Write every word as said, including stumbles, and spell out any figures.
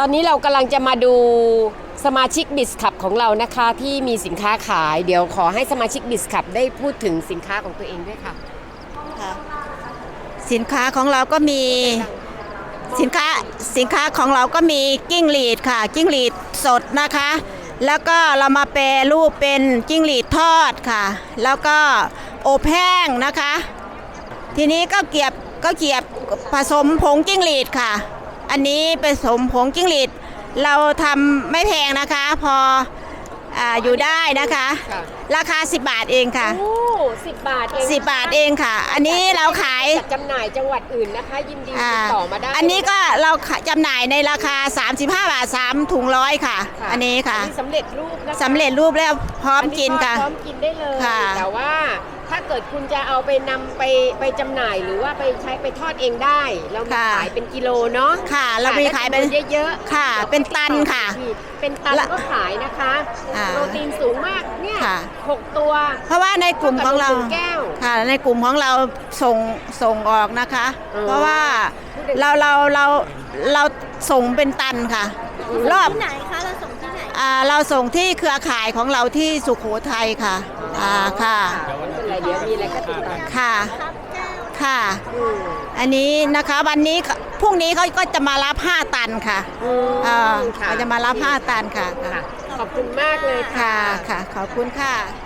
อนนี้เรากำลังจะมาดูสมาชิกบิสคับของเรานะคะที่มีสินค้าขายเดี๋ยวขอให้สมาชิกบิสคับได้พูดถึงสินค้าของตัวเองด้วยค่ะค่ะสินค้าของเราก็มีสินค้าสินค้าของเราก็มีกิ้งหรีดค่ะกิ้งหรีดสดนะคะแล้วก็เรามาแปรรูปเป็นกิ้งหรีดทอดค่ะแล้วก็อบแห้งนะคะทีนี้ก็เกียบก็เกียบผสมผงกิ้งหรีดค่ะอันนี้ผสมผงกิ้งหรีดเราทำไม่แพงนะคะพออ่าอยู่ได้นะคะราคาสิบบาทเองค่ะโอ้สิบบาทเองสิบบาทเองค่ะอันนี้เราขายจัดจำหน่ายจังหวัดอื่นนะคะยินดีติดต่อมาได้อันนี้ก็เราจำหน่ายในราคาสามสิบห้าบาทสามถุงร้อยค่ะอันนี้ค่ะสำเร็จรูปนะคะสำเร็จรูปแล้วพร้อมกินค่ะพร้อมกินได้เลยแต่ว่าถ้าเกิดคุณจะเอาไปนำไปไปจำหน่ายหรือว่าไปใช้ไปทอดเองได้เรามีขายเป็นกิโลเนาะค่ะเรามีขายเป็นเยอะๆค่ะเป็นตันค่ะเป็นตันก็ขายนะคะโปรตีนสูงมากเนี่ยหกตัวเพราะว่าในกลุ่มของเราค่ะในกลุ่มของเราส่งส่งออกนะคะเพราะว่าเราเราเราเราส่งเป็นตันค่ะรอบที่ไหนคะเราส่งที่ไหนอ่าเราส่งที่เครือข่ายของเราที่สุโขทัยค่ะอ่าค่ะเดี๋ยวมีอะไรก็ติดต่อค่ะค่ะอันนี้นะคะวันนี้พรุ่งนี้เขาก็จะมารับห้าตันค่ะอ่าเขาจะมารับห้าตันค่ะขอบคุณมากเลยค่ะค่ะขอบคุณค่ะ